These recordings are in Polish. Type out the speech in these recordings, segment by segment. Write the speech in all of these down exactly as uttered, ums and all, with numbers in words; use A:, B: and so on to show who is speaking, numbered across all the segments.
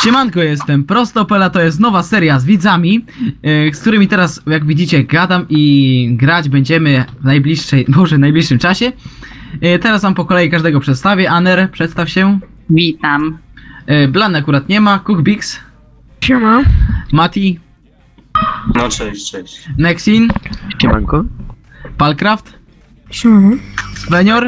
A: Siemanko, jestem Prostopela, to jest nowa seria z widzami, yy, z którymi teraz, jak widzicie, gadam i grać będziemy w najbliższej, może w najbliższym czasie. Yy, teraz wam po kolei każdego przedstawię. Aner, przedstaw się.
B: Witam.
A: Yy, Blan akurat nie ma, Cookbix.
C: Siema.
A: Mati.
D: No cześć, cześć.
A: Nexin.
E: Siemanko.
A: Palcraft.
C: Siema.
A: Svenior.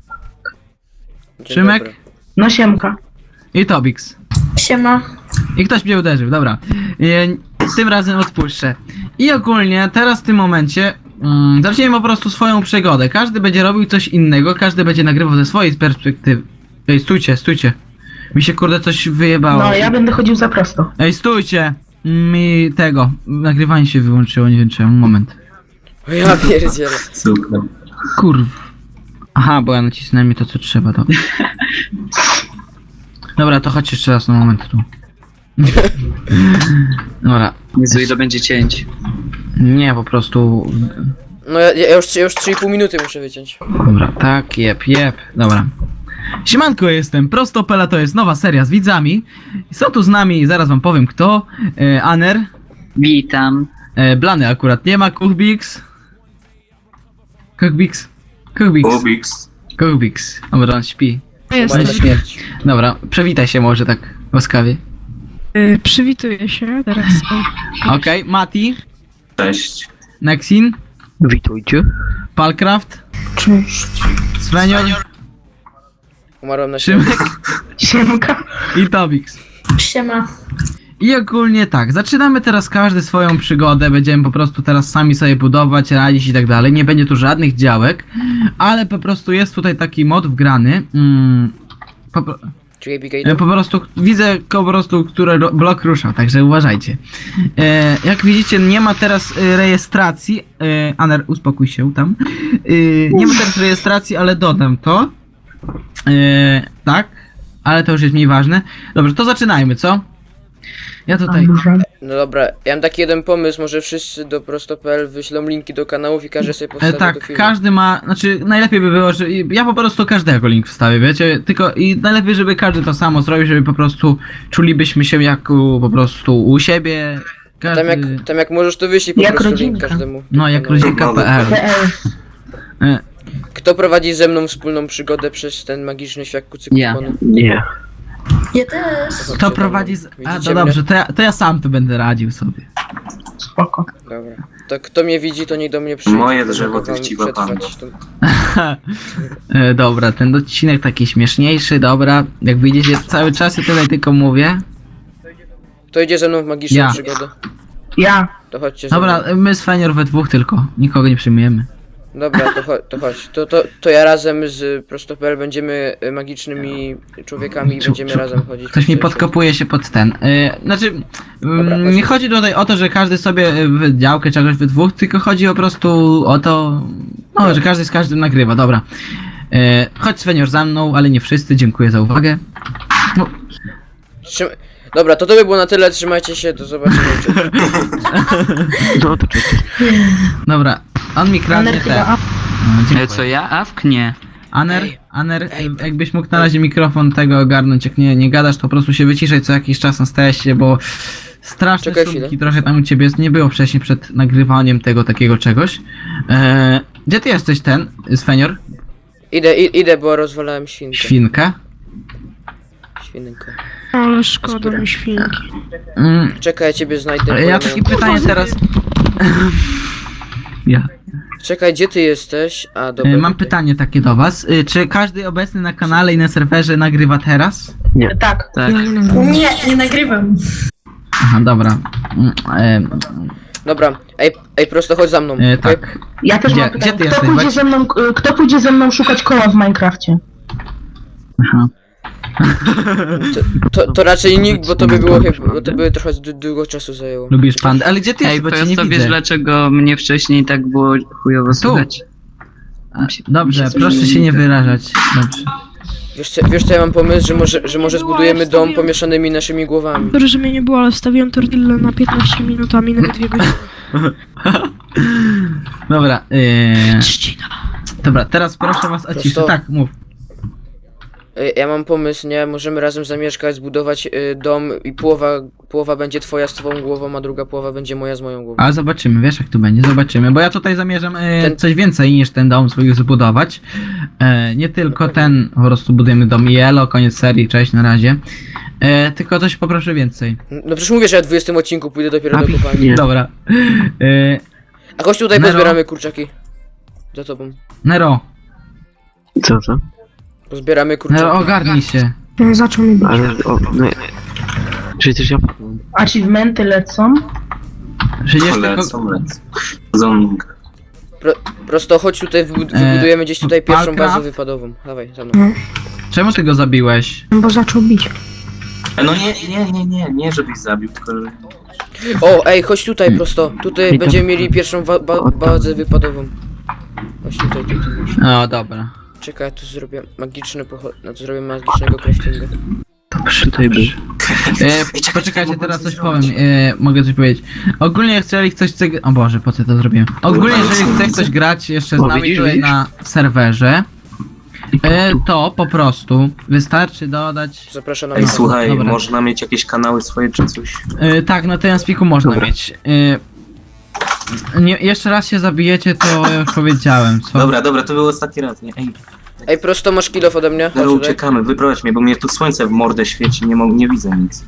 A: Szymek.
C: No siemka.
A: I Tobix.
C: Siema.
A: I ktoś mnie uderzył, dobra. Yy, tym razem odpuszczę. I ogólnie teraz w tym momencie mm, zaczniemy po prostu swoją przygodę. Każdy będzie robił coś innego, każdy będzie nagrywał ze swojej perspektywy. Ej, stójcie, stójcie. Mi się kurde coś wyjebało.
C: No ja będę chodził za prosto.
A: Ej, stójcie! Mi tego, nagrywanie się wyłączyło, nie wiem czemu, moment.
E: O ja pierdzielę.
D: Super.
A: Kurw. Aha, bo ja nacisnąłem mi to co trzeba, to. Dobra, to chodź jeszcze raz na moment tu. Dobra.
B: Jezu, ile będzie cięć.
A: Nie, po prostu...
E: No ja, ja już, ja już trzy i pół minuty muszę wyciąć.
A: Dobra, tak, jep, jep, dobra. Siemanko, jestem Prostopela, to jest nowa seria z widzami. Są tu z nami, zaraz wam powiem kto. E, Aner.
B: Witam.
A: E, Blany akurat nie ma, Cookbix. Cookbix. Cookbix.
D: Ubix.
A: Cookbix. Dobra, on śpi.
E: Chyba na śmierć.
A: Dobra, przywitaj się może tak łaskawie.
C: Yy, przywituję się teraz.
A: Okej, okay, Mati.
D: Cześć.
A: Nexin.
E: Witajcie.
A: Palcraft.
C: Cześć.
A: Svenior.
E: Umarłem na śmierć.
A: Szymek.
C: Siemka.
A: I Tobix.
C: Siema.
A: I ogólnie tak, zaczynamy teraz każdy swoją przygodę, będziemy po prostu teraz sami sobie budować, radzić i tak dalej, nie będzie tu żadnych działek, ale po prostu jest tutaj taki mod wgrany, mm, po, pro-
E: Czy Abigail?
A: po prostu widzę po prostu, który ro- blok ruszał, także uważajcie. E, jak widzicie, nie ma teraz e, rejestracji, e, Aner, uspokój się tam, e, nie ma teraz rejestracji, ale dodam to, e, tak, ale to już jest mniej ważne. Dobrze, to zaczynajmy, co? Ja tutaj...
E: No dobra, ja mam taki jeden pomysł, może wszyscy do prosto kropka p l wyślą linki do kanałów i każdy sobie
A: E,
E: powstawi do
A: tak,
E: filmu.
A: każdy ma, znaczy najlepiej by było, że ja po prostu każdego link wstawię, wiecie, tylko i najlepiej, żeby każdy to samo zrobił, żeby po prostu czulibyśmy się jak u, po prostu u siebie. Każdy...
E: Tam jak, tam jak możesz to wyślij po
C: Jak
E: prostu
C: rodzinka.
E: link każdemu.
A: No, jak
E: kanału.
A: rodzinka.pl. E,
E: Kto prowadzi ze mną wspólną przygodę przez ten magiczny świat kucyku?
B: Ja.
E: Nie.
C: Ja też.
A: Kto prowadzi z... A,
E: Widzicie
A: to dobrze, to ja, to ja sam tu będę radził sobie.
C: Spoko.
E: Dobra. To kto mnie widzi, to niech do mnie przyjdzie.
D: Moje
E: to
D: drzewo
E: mogę
D: to
E: wam
D: chciwa
E: przetrwać tą-
A: e, dobra, ten odcinek taki śmieszniejszy, dobra, jak wyjdziecie cały czas, ja tutaj tylko mówię.
E: Kto idzie ze mną w magiczną
A: Ja.
E: przygodę?
C: Ja.
E: To chodźcie ze
A: Dobra,
E: mną.
A: my z Fenior we dwóch tylko, nikogo nie przyjmujemy.
E: Dobra, to, cho to chodź. To, to, to ja razem z prosto kropka p l będziemy y, magicznymi człowiekami i
A: Czu-
E: będziemy
A: czu-
E: razem chodzić.
A: Ktoś
E: po
A: mi
E: świecie.
A: podkopuje się pod ten. Yy, znaczy,
E: Dobra,
A: mm,
E: chodź.
A: nie chodzi tutaj o to, że każdy sobie w działkę czegoś we dwóch, tylko chodzi po prostu o to, no, że każdy z każdym nagrywa, dobra. Yy, chodź Svenior za mną, ale nie wszyscy, dziękuję za uwagę. No,
E: Trzym... Dobra, to to by było na tyle, trzymajcie się, do zobaczenia. Cześć. No to cześć.
A: dobra, on mi kradnie
C: Aner
A: te.
C: chyba.
A: No,
B: Ale
A: dziękuję.
B: co ja? Awk? Nie.
A: Aner,
E: Ej,
A: Aner,
E: ej,
A: jakbyś mógł na razie mikrofon tego ogarnąć, jak nie, nie gadasz, to po prostu się wyciszaj co jakiś czas, nastaje się, bo straszne
E: Czekaj
A: szumki
E: chwilę.
A: trochę tam u ciebie jest, nie było wcześniej przed nagrywaniem tego takiego czegoś. Eee, gdzie ty jesteś ten, Svenior?
E: Idę, i, idę, bo rozwalałem świnkę.
A: Świnka?
E: Świnkę.
C: Ale szkoda mi świnki.
A: Mm,
E: Czekaj, ja ciebie znajdę.
A: ja
E: bo
A: takie
E: mam-
A: pytanie teraz... ja.
E: Czekaj, gdzie ty jesteś? A, dobra.
A: E, mam
E: tutaj.
A: pytanie takie do was. E, czy każdy obecny na kanale i na serwerze nagrywa teraz?
C: Tak.
B: Tak.
C: Nie, nie nagrywam.
A: Aha, dobra. Mm, e,
E: Dobra, ej, ej, prosto chodź za mną.
A: e,
E: okej?
A: tak.
C: Ja też
A: Gdzie-
C: mam pytanie.
A: gdzie ty
C: Kto
A: jesteś,
C: pójdzie
A: Weź?
C: ze mną, y, kto pójdzie ze mną szukać koła w Minecrafcie?
A: Aha.
E: To, to, to raczej nikt, bo to by było chyba, bo to by trochę d- długo czasu zajęło.
A: Lubisz pandę? Ale gdzie ty
B: Ej,
A: jesteś, bo
B: to
A: cię nie
B: to wiesz
A: widzę.
B: dlaczego mnie wcześniej tak było chujowo słychać?
A: A, dobrze, proszę się nie wyrażać. Dobrze.
E: Wiesz co, wiesz co ja mam pomysł, że może, że może zbudujemy dom pomieszanymi naszymi głowami.
C: Sorry, że mnie nie było, ale wstawiłem tortillę na piętnaście minut, a minęły dwie godziny.
A: Dobra, yy...
C: Trzcina.
A: Dobra, teraz proszę was o ciszę.
E: Prosto.
A: Tak, mów.
E: Y, Ja mam pomysł, nie? Możemy razem zamieszkać, zbudować y, dom i połowa, połowa będzie twoja z twoją głową, a druga połowa będzie moja z moją głową.
A: A zobaczymy, wiesz jak to będzie, zobaczymy, bo ja tutaj zamierzam e,
E: Ten-
A: coś więcej niż ten dom swój zbudować. E, nie tylko ten, po prostu budujemy dom Yellow, koniec serii, cześć, na razie. E, tylko coś poproszę więcej.
E: No przecież mówię, że ja w dwudziestym odcinku pójdę dopiero
A: A,
E: do kopalni.
A: Dobra. E,
E: A chodź tutaj
A: Nero.
E: pozbieramy kurczaki. Za tobą.
A: Nero,
B: Co to?
E: Pozbieramy kurczaki.
A: Nero, ogarnij się.
C: No, zaczął mi bić.
B: Ale, o, no... Przecież ja...
C: Achievementy lecą.
A: Przecież tylko...
D: Lecą, lecą. Zoning.
E: Pro, prosto chodź tutaj, wybud-
A: E,
E: wybudujemy gdzieś tutaj pierwszą
A: Minecraft?
E: bazę wypadową. Dawaj, za mną.
C: No,
A: Czemu ty go zabiłeś?
C: bo zaczął bić.
D: E, No nie, nie, nie, nie, nie żebyś zabił, tylko że...
E: O, ej, chodź tutaj prosto. Tutaj
B: I to-
E: będziemy mieli pierwszą ba ba bazę wypadową. Chodź tutaj, tutaj.
A: No dobra.
E: Czekaj, ja tu zrobię magiczny pochod... No to zrobię magicznego craftinga.
B: Dobrze, tutaj był.
A: E, poczekajcie, teraz coś powiem, e, mogę coś powiedzieć. Ogólnie jeżeli ktoś chce... O Boże, po co to zrobiłem? Ogólnie jeżeli chce ktoś grać jeszcze z
B: O,
A: nami
B: widzisz,
A: tutaj
B: widzisz?
A: na serwerze, e, to po prostu wystarczy dodać...
E: Zapraszam na
D: Ej,
E: mnie.
D: słuchaj,
A: Dobra.
D: można mieć jakieś kanały swoje czy coś?
A: E, tak, na tym spiku można
D: Dobra.
A: mieć. E, nie, jeszcze raz się zabijecie, to ja już powiedziałem, co?
D: Dobra, dobra, to był ostatni raz, nie? Ej,
E: Ej, prosto masz kilof ode mnie. Chodź
D: Nero,
E: tutaj.
D: uciekamy, wyprowadź mnie, bo mnie tu słońce w mordę świeci, nie, mo- nie widzę nic.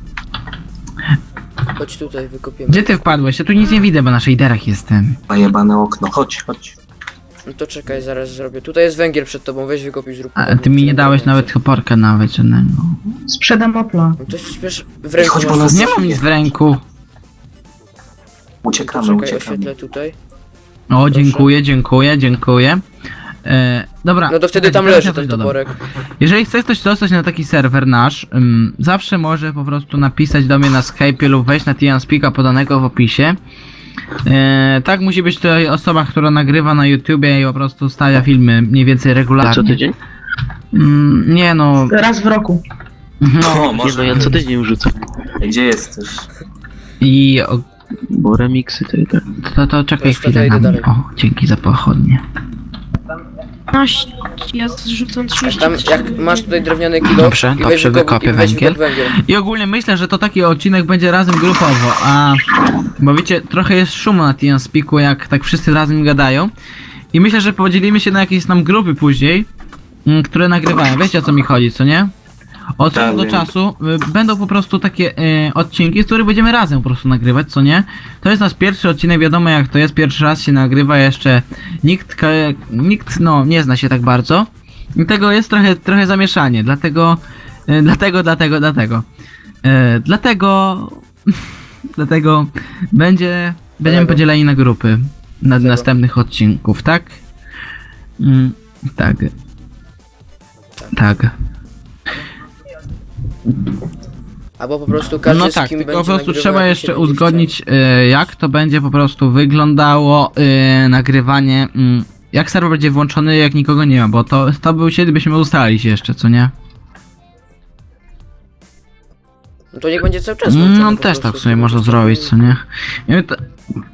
E: Chodź tutaj, wykopiemy.
A: Gdzie ty wpadłeś? Ja tu nic nie widzę, bo na shaderach jestem.
D: A jebane okno, chodź, chodź.
E: No to czekaj, zaraz zrobię. Tutaj jest węgiel przed tobą, weź wykopić, zrób.
A: A ty mi nie dałeś nawet hoporka nawet żadnego.
C: Sprzedam Opla.
E: No to przecież w ręku
D: chodź, bo
E: masz.
D: nas-
A: Nie mam nic w ręku.
D: Uciekamy,
E: Czekaj,
D: uciekamy.
E: oświetlę tutaj.
A: O, dziękuję, dziękuję, dziękuję. E, dobra.
E: No to wtedy tam
A: teraz ja
E: leży
A: coś
E: ten
A: dodam.
E: toporek.
A: Jeżeli chce ktoś dostać na taki serwer nasz, ym, zawsze może po prostu napisać do mnie na Skype'ie lub wejść na TeamSpeaka podanego w opisie. E, tak musi być tutaj osoba, która nagrywa na YouTubie i po prostu stawia filmy mniej więcej
B: A co
A: regularnie.
B: tydzień?
A: Mm, nie no.
C: Raz w roku.
A: No
D: O,
B: Nie,
D: może.
B: no ja co tydzień rzucam.
D: Ej, gdzie jesteś?
A: i o,
B: Bo remiksy to i tak.
A: to, to czekaj
E: Wiesz co, to
A: chwilę
E: idę
A: na mnie.
E: dalej.
A: O, dzięki za pochodnie.
C: piętnaście, ja zrzucam trzydzieści.
E: Tam jak masz tutaj drewniany kilo
A: Dobrze,
E: i weź
A: dobrze,
E: wykop-
A: wykopię
E: i weź
A: węgiel.
E: wykop węgiel.
A: I ogólnie myślę, że to taki odcinek będzie razem grupowo, a bo wiecie, trochę jest szumu na TeamSpeaku, jak tak wszyscy razem gadają. I myślę, że podzielimy się na jakieś tam grupy później, mm, które nagrywają. Wiecie o co mi chodzi, co nie? Od
D: Tak,
A: czasu do
D: wiem.
A: czasu y, będą po prostu takie y, odcinki, z których będziemy razem po prostu nagrywać, co nie? To jest nasz pierwszy odcinek, wiadomo jak to jest, pierwszy raz się nagrywa, jeszcze nikt, ka- nikt no nie zna się tak bardzo. I tego jest trochę, trochę zamieszanie, dlatego, y, dlatego, dlatego, dlatego. Y, dlatego, dlatego będzie, będziemy
E: Dlatego.
A: podzieleni na grupy na
E: Dlatego.
A: następnych odcinków, tak? Mm, tak. Tak.
E: Albo po prostu każdy
A: No
E: z
A: tak,
E: kim
A: tylko
E: będzie
A: po prostu
E: nagrywał,
A: trzeba
E: jak
A: jeszcze
E: się będzie
A: uzgodnić y, jak to będzie po prostu wyglądało y, nagrywanie, y, jak serwer będzie włączony, jak nikogo nie ma, bo to, to był kiedy byśmy ustalić jeszcze, co nie?
E: chciał. No to niech będzie cały czas włączony
A: No
E: po
A: też
E: prostu,
A: tak sobie
E: to
A: można
E: będzie
A: zrobić, co nie? I to,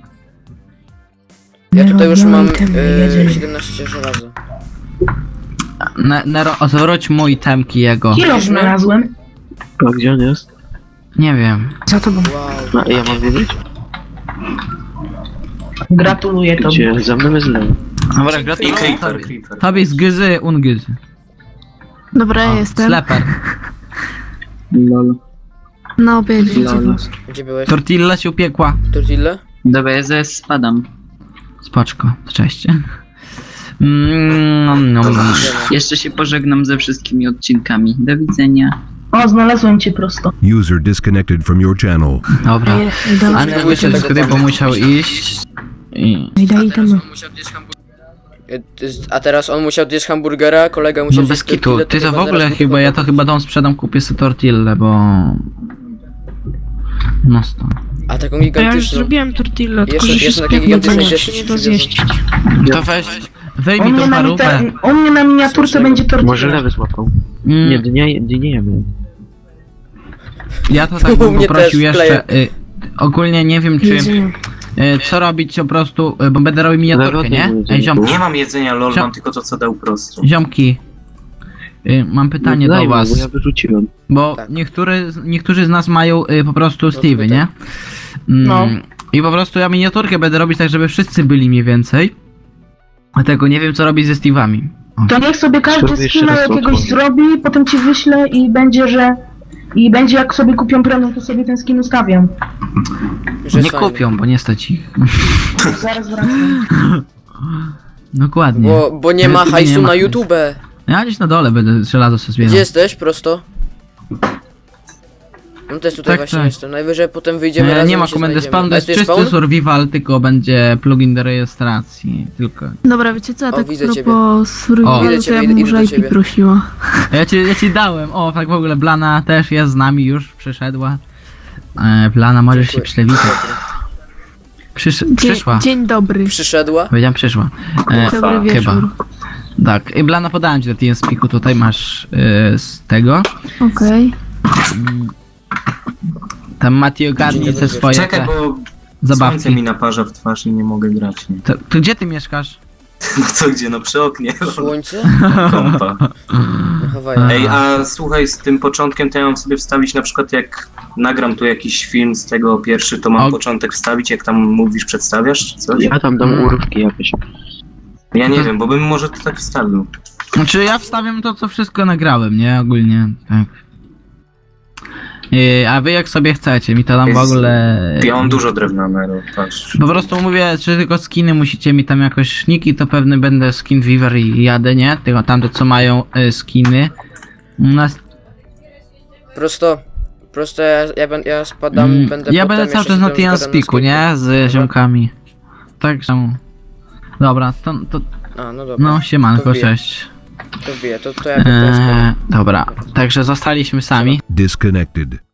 E: Ja tutaj już
C: Robią
E: mam
C: itemy,
E: y,
C: jedziemy.
E: siedemnaście żelaza.
A: ne, Nero, zwróć mój temki jego.
C: Kilo znalazłem.
B: A gdzie on jest?
A: Nie wiem.
C: Za tobą.
E: Wow.
B: A ja mam wiedzieć?
C: Gratuluję tobie.
B: Gdzie? Za mną jest lewo.
A: Dobra,
D: I
A: gratuluję
D: creeper,
A: tobie.
D: creeper.
A: Tobie z gyzy, ungyzy.
F: Dobra,
A: O,
F: jestem.
A: Sleper.
B: Lol.
F: Na obiedzie.
B: Lol.
E: Gdzie byłeś?
A: Tortilla się upiekła.
E: Tortilla?
B: Dobra, ja zaraz spadam.
A: Spoczko, cześć. Mm, no, no, no.
B: Jeszcze się pożegnam ze wszystkimi odcinkami. Do widzenia.
C: O, znalazłem cię prosto.
G: User disconnected from your channel.
A: Dobra.
C: Ej, dawaj,
A: A nie wyszedł z gry, bo musiał iść. I...
C: ej, daj itemy.
E: A teraz on musiał zjeść hamburgera, kolega musiał
A: No bez
E: zjeść
A: kitu,
E: tortillę,
A: ty to w
E: chyba
A: ogóle
E: zaraz
A: chyba,
E: będzie
A: ja to chyba dom sprzedam, kupię sobie tortillę, bo... No stąd.
E: A taką
C: A ja już
E: gigantyczną.
C: zrobiłem tortillę, tylko
E: Jeszcze-
C: że się
E: jeszcze takie
C: spiekło, to
E: gigantyczne
C: nie się nie da
E: dzieci
C: zjeść.
A: To weź,
C: U
A: wyjmij
C: mnie,
A: tą
C: na
A: parówę.
C: mita- u mnie na miniaturce będzie
B: Może
C: tortilla.
B: lewy złapał.
A: Mm,
B: Nie, dnie, dnie jemy.
A: ja to tak
E: U
A: bym
E: mnie
A: poprosił
E: też
A: jeszcze, y, ogólnie nie wiem czy,
C: Jedzenie.
A: y, co robić po prostu, y, bo będę robił miniaturkę,
B: Lewo,
A: nie?
B: lewo,
A: Ej, ziomki,
D: Nie mam jedzenia, lol,
A: Cio-
D: mam tylko to, co dał prosto.
A: ziomki. Y, mam pytanie
H: No
A: do
H: daj mu,
A: was,
H: bo ja wyrzuciłem.
A: bo
E: Tak.
A: niektóry, niektórzy z nas mają y, po prostu Steve'y,
E: pytaj.
A: nie? Mm,
I: No.
A: I po prostu ja miniaturkę będę robić tak, żeby wszyscy byli mniej więcej. Dlatego nie wiem co robić ze Steve'ami. O.
I: To niech sobie każdy
H: Zrobię jeszcze
I: skina
H: raz tą
I: jakiegoś
H: twoją.
I: zrobi, potem ci wyślę i będzie, że... I będzie jak sobie kupią premium, to sobie ten skin ustawią.
E: Że
A: Nie
E: jest fajny.
A: kupią, bo nie stać ich.
I: Zaraz wracam.
A: Dokładnie.
E: Bo, bo nie
A: Na
E: ma
A: YouTube
E: hajsu
A: nie ma
E: na
A: hajsu.
E: YouTube.
A: Ja gdzieś na dole będę żelazo sobie zbierał.
E: Gdzie jesteś? Prosto? No też tutaj
A: Tak,
E: właśnie
A: tak.
E: jestem. Najwyżej potem wyjdziemy
A: E,
E: razem
A: nie ma
E: i się
A: komendy
E: znajdziemy.
A: spawn, to
E: A
A: jest
E: jest
A: czysty
E: spawn?
A: survival, tylko będzie plugin do rejestracji. Tylko.
F: Dobra, wiecie co, ja
E: O,
F: tak
E: widzę
F: a
E: ciebie.
F: propos survivalu,
E: Widzę
F: to
E: ciebie,
F: ja
E: idę-
F: bym
E: idę do
F: może I P
E: ciebie.
F: prosiła.
A: Ja ci, ja ci dałem, o tak w ogóle Blana też jest z nami już, przyszedła. E, Blana, możesz się
E: Dziękuję.
A: przywitać. Przysz,
F: Dzień,
A: przyszła.
F: dzień dobry.
E: Przyszedła?
A: Powiedziałem przyszła. E,
F: Dobry wieczór.
A: chyba. Tak, i Blana podałem ci do TeamSpeaku, tutaj masz e, z tego.
F: Okej.
A: Tam Mati ogarnie
E: Dzień
A: te
E: dobry.
A: swoje
D: Czekaj,
A: te
D: bo słońce
A: zabawki.
D: mi naparza w twarz i nie mogę grać. Nie?
A: To, to gdzie ty mieszkasz?
D: No co, gdzie? No przy oknie.
E: Słońce?
D: Kompa.
E: Na Hawajach.
D: Ej, a słuchaj, z tym początkiem to ja mam sobie wstawić na przykład jak nagram tu jakiś film z tego pierwszy, to mam
A: O.
D: początek wstawić, jak tam mówisz, przedstawiasz czy coś?
H: Ja tam dam urywki jakieś.
D: Ja nie wiem, bo bym może to tak wstawił.
A: Znaczy ja wstawiam to, co wszystko nagrałem, nie? Ogólnie, tak. E, a wy jak sobie chcecie, mi to tam w
D: Jest-
A: ogóle...
D: Ja mam dużo drewna, Nero, patrz.
A: Po prostu mówię, czy tylko skiny musicie mi tam jakoś szniki, to pewny będę skin Weaver i jadę, nie? Tylko tamte co mają y, skiny. U nas...
E: Prosto. Prosto ja, ja, ben- ja spadam,
A: Mm,
E: będę
A: ja
E: potem
A: będę cały
E: jeszcze
A: czas na
E: się tam zgadam
A: TeamSpeaku,
E: sklepie.
A: nie? Z
E: Dobra.
A: ziomkami. Tak samo. Dobra, to, to
E: A, no dobra.
A: no siemanko,
E: To wbiję.
A: cześć.
E: To wbiję, to, to ja potem spadam.
A: Eee, dobra, także zostaliśmy sami.
G: Disconnected.